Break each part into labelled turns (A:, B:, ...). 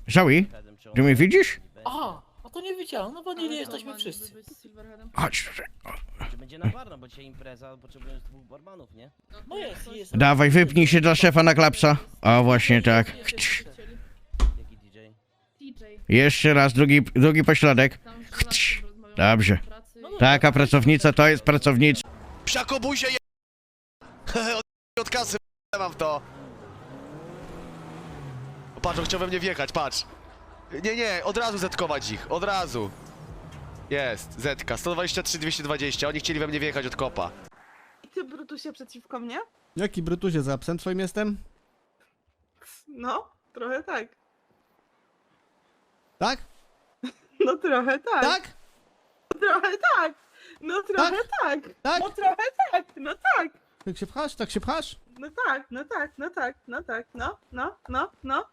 A: Zoe, ty mnie widzisz?
B: A to nie wiedziałem, no bo nie jesteśmy wszyscy.
A: Chodź.
C: Czy będzie na barno, bo dzisiaj impreza, potrzebujemy 2 barmanów, nie?
B: No jest.
A: Dawaj, wypnij się dla szefa na klapsa. O, właśnie tak.
C: Jaki DJ?
A: Jeszcze raz, drugi pośladek. Dobrze. Taka pracownica to jest pracownica.
D: Psiakobuzie je... od kasy mam w to. O, patrz, on chciał we mnie wjechać, patrz. Nie, od razu zetkować ich, od razu. Jest, zetka, 123, 220, oni chcieli we mnie wjechać od kopa.
E: I ty, Brutusie, przeciwko mnie?
F: Jaki Brutusie, za psem twoim jestem?
E: No, trochę tak.
F: Tak?
E: No trochę tak.
F: Tak?
E: Trochę tak. No trochę tak.
F: Tak?
E: No trochę tak. No tak.
F: Tak się pchasz? Tak się pchasz?
E: No tak, no tak, no tak, no tak, no.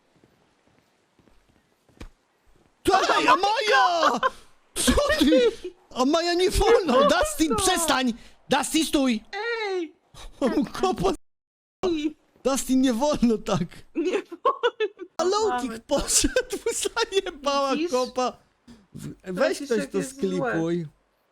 F: Ej, Amaja! Co ty? Amaja, nie wolno! Dustin, przestań! Dustin, stój!
E: Ej!
F: O, mu kopa z- Dustin, nie wolno tak!
E: Nie wolno.
F: A Lowkick
E: Mamy.
F: poszedł, zajebała
E: Widzisz?
F: kopa! Weź
E: Widzisz,
F: ktoś
E: jak
F: to
E: jest
F: sklipuj.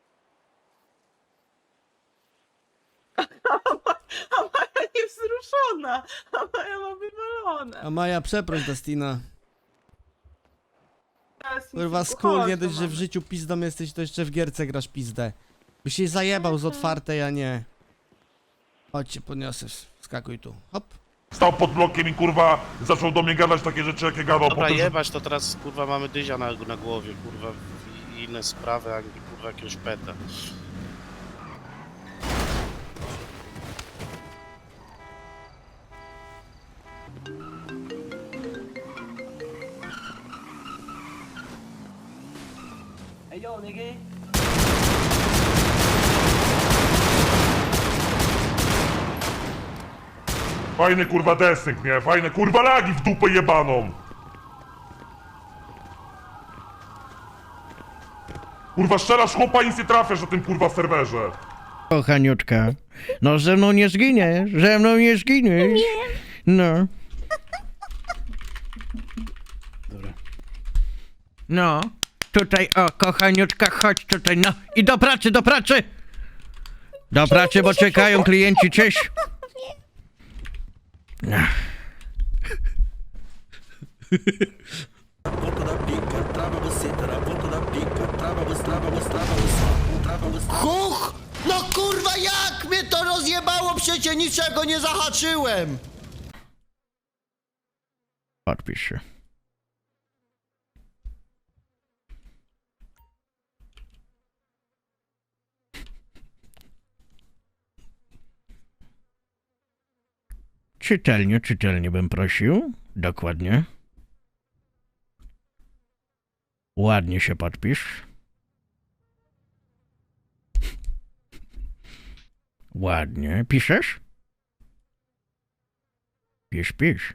E: A Maja niewzruszona. A Maja ma wywalone.
F: Amaja, przeproś Dustina.
E: Teraz mi
F: Kurwa,
E: się
F: skór, nie
E: uchodź,
F: dość, że w
E: mamy.
F: życiu pizdą jesteś, to jeszcze w gierce grasz pizdę. Byś się zajebał z otwartej, a nie. Chodź cię podniosę, skakuj tu. Hop.
G: Stał pod blokiem i kurwa zaczął do mnie gadać takie rzeczy, jakie gadał.
H: Dobra,
G: potem, że-
H: jebać, to teraz kurwa mamy dyzia na głowie, kurwa, i inne sprawy, a nie kurwa jakiegoś peta.
C: Ej, yo, nigga!
G: Fajny kurwa desynk, nie? Fajne kurwa lagi w dupę jebaną! Kurwa strzelasz chłopa i nic nie trafiasz na tym kurwa serwerze.
A: Kochaniutka. No ze mną nie zginiesz, ze mną nie zginiesz. No. Dobra. No. Tutaj, o, kochaniutka, chodź tutaj, no. I do pracy, do pracy! Do pracy, bo czekają klienci, cześć. No.
I: Huch! No kurwa, jak mnie to rozjebało? Przecież niczego nie zahaczyłem!
A: Podpisz się. Czytelnie bym prosił. Dokładnie. Ładnie się podpisz. Ładnie. Piszesz? Pisz.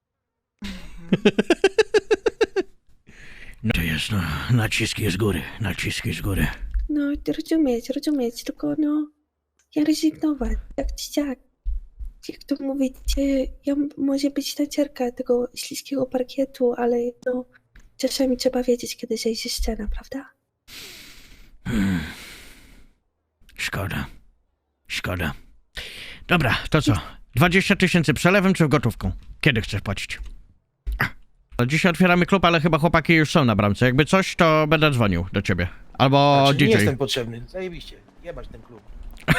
A: No to jest, no, naciski z góry.
J: No, rozumieć, tylko no, ja rezygnować, jak dzieciak. Jak to mówicie, ja może być tancerka tego śliskiego parkietu, ale no, czasami trzeba wiedzieć, kiedy zejść ze ściana, prawda?
A: Szkoda. Dobra, to co? 20 000 przelewem czy w gotówką? Kiedy chcesz płacić? Dzisiaj otwieramy klub, ale chyba chłopaki już są na bramce. Jakby coś, to będę dzwonił do ciebie. Albo
B: Znaczy,
A: DJ.
B: nie jestem potrzebny, zajebiście. Jebać ten klub.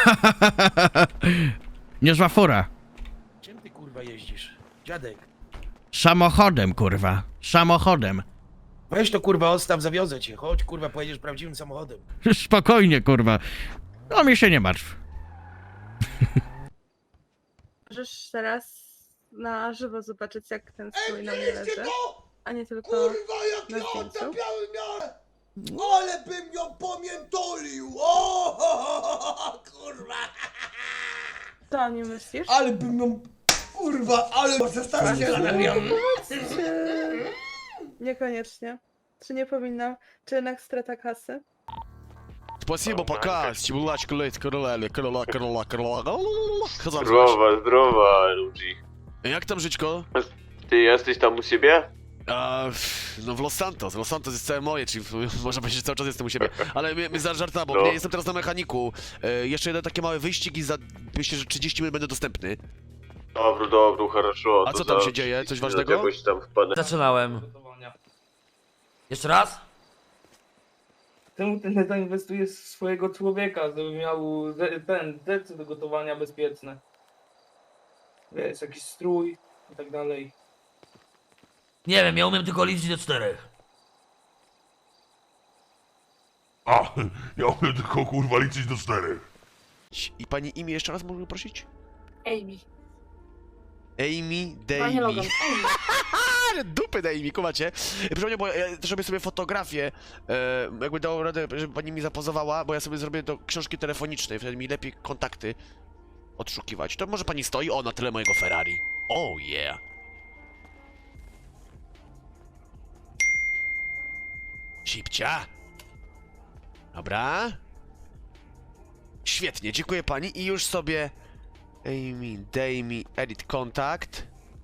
A: Niezła fura.
B: Czym ty kurwa jeździsz? Dziadek.
A: Samochodem, kurwa. Samochodem.
B: Weź to kurwa odstaw, zawiozę cię. Chodź kurwa, pojedziesz prawdziwym samochodem.
A: Spokojnie, kurwa. No mi się nie martw.
E: Możesz teraz na żywo zobaczyć, jak ten strój na mnie leży, a nie tylko na zdjęciu.
I: Ale bym ją pomiętolił! O, kurwa!
E: Co o nim myślisz?
I: Ale bym ją... Kurwa, ale przestań się
E: Niekoniecznie. Czy nie powinna, czy jednak strata kasy?
D: Спасибо, пока, стимулачка ледь, короля.
K: Zdrowa, ludzi.
D: Jak tam żyćko?
K: Ty jesteś tam u siebie?
D: No w Los Santos. Los Santos jest całe moje, czyli można powiedzieć, że cały czas jestem u siebie. Ale my za żarta, bo nie jestem teraz na mechaniku. Jeszcze jeden taki mały wyścig i za, myślę, że 30 minut będę dostępny.
K: Dobra, хорошо.
D: A co tam się dzieje? Coś ważnego?
K: Jakoś tam wpadnę.
C: Zaczynałem. Jeszcze raz?
L: Czemu ty nie zainwestujesz w swojego człowieka, żeby miał decy do gotowania bezpieczne? Wiesz, jakiś strój i tak dalej.
C: Nie wiem, ja umiem tylko liczyć do 4.
G: A, ja umiem tylko kurwa liczyć do 4.
D: I pani imię jeszcze raz mogę prosić?
E: Amy.
D: Amy
E: Panie Logan,
D: Davey.
E: Amy.
D: Ale dupy daj mi, kumacie. Proszę mnie, bo ja też robię sobie fotografię. Jakby dało radę, żeby pani mi zapozowała, bo ja sobie zrobię do książki telefonicznej, wtedy mi lepiej kontakty odszukiwać. To może pani stoi? O, na tyle mojego Ferrari. Oh yeah. Szybcia. Dobra. Świetnie, dziękuję pani i już sobie... Amy, daj mi edit kontakt.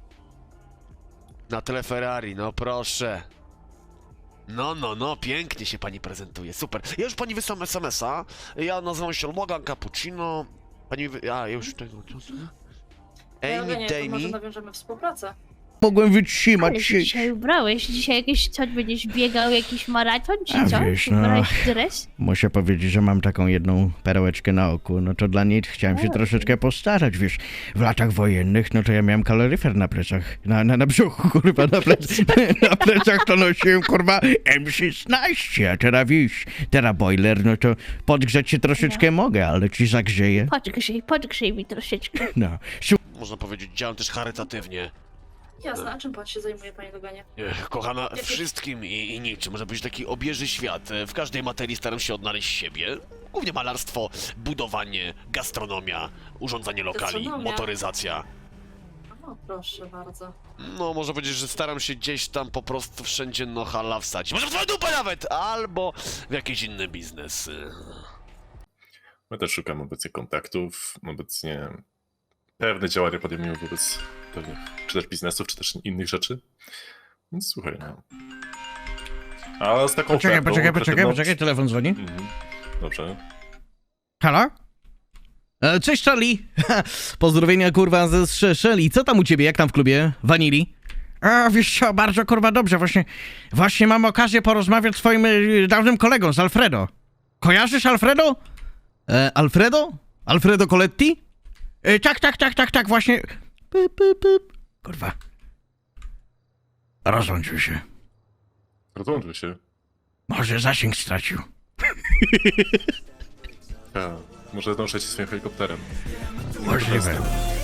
D: Na tle Ferrari, no proszę. No, pięknie się pani prezentuje, super. Ja już pani wysłam SMS-a. Ja nazywam się Logan Cappuccino. Pani już tego... Amy, daj mi...
E: nawiążemy współpracę.
A: Mogłem wytrzymać
J: Ale
A: się.
J: się dzisiaj ubrałeś. Dzisiaj jakiś coś będziesz biegał, jakiś maraton czy
A: A
J: co?
A: wiesz, no.
J: Ubrałeś dres?
A: Muszę powiedzieć, że mam taką jedną perełeczkę na oku, no to dla niej chciałem się
J: O.
A: troszeczkę postarać, wiesz. W latach wojennych, no to ja miałem kaloryfer na plecach, na brzuchu, kurwa, na plecach to nosiłem, kurwa, M16, a teraz wiesz, teraz boiler, no to podgrzeć się troszeczkę mogę, ale ci zagrzeję,
J: Podgrzej mi troszeczkę.
A: no.
D: Można powiedzieć, działam też charytatywnie.
E: Jasne, a czym pan się zajmuje, panie Loganie?
D: Kochana, wszystkim i niczym. Może być taki obieży świat. W każdej materii staram się odnaleźć siebie. Głównie malarstwo, budowanie, gastronomia, urządzanie lokali,
E: Gastronomia?
D: motoryzacja.
E: O, proszę bardzo.
D: No, można powiedzieć, że staram się gdzieś tam po prostu wszędzie nohala wsadzić. Może w twoją dupę nawet! Albo w jakiś inny biznes.
K: My też szukamy obecnie kontaktów, obecnie pewne działania podejmujemy wobec pewnych, czy też biznesów, czy też innych rzeczy. Więc słuchaj, no. A z taką ofertą...
A: Poczekaj, telefon dzwoni.
K: Dobrze.
A: Halo? Cześć, Charlie. Pozdrowienia, kurwa, ze Shelly. Co tam u ciebie, jak tam w klubie? Vanili? A, wiesz co, bardzo, kurwa, dobrze. Właśnie mam okazję porozmawiać z twoim dawnym kolegą, z Alfredo. Kojarzysz Alfredo? Alfredo? Alfredo Coletti? Tak, właśnie. Kurwa. Rozłączył się.
K: Rozłączył się.
A: Może zasięg stracił.
K: A, może zdążyć swoim helikopterem.
A: Możliwe.